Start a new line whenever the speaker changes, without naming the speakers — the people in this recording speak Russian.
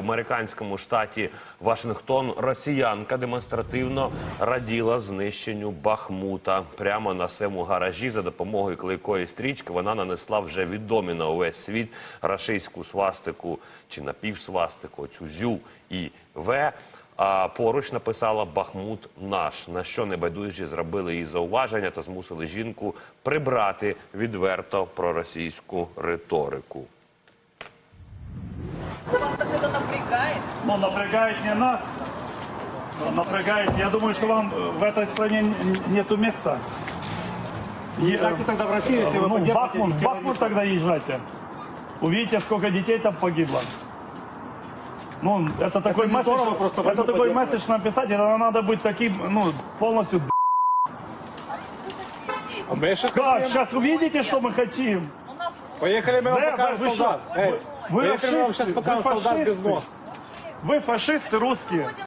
американському штаті Вашингтон росіянка демонстративно раділа знищенню Бахмута. Прямо на своєму гаражі за допомогою клейкої стрічки вона нанесла вже відомі на увесь світ рашистську свастику чи напівсвастику, цю ЗЮ і В. А поруч написала «Бахмут наш», на що небайдужі зробили їй зауваження та змусили жінку прибрати відверто проросійську риторику.
Вас так это напрягает?
Ну, напрягает не нас, напрягает, я думаю, что вам в этой стране нету места.
Езжайте тогда в Россию, если вы
Ну,
поддержите
в Бахмут тогда езжайте. Увидите, сколько детей там погибло. Ну, это такой
не
месседж,
здорово просто
это такой
поддерживать.
месседж написать, это надо быть таким, ну, полностью. Как? Сейчас увидите, что мы хотим.
У нас
Поехали, мы вам покажем
вы
солдат.
что? Вы
Поехали, мы вам сейчас
расисты,
покажем
вы
солдат без
фашисты.
ног.
Вы фашисты русские.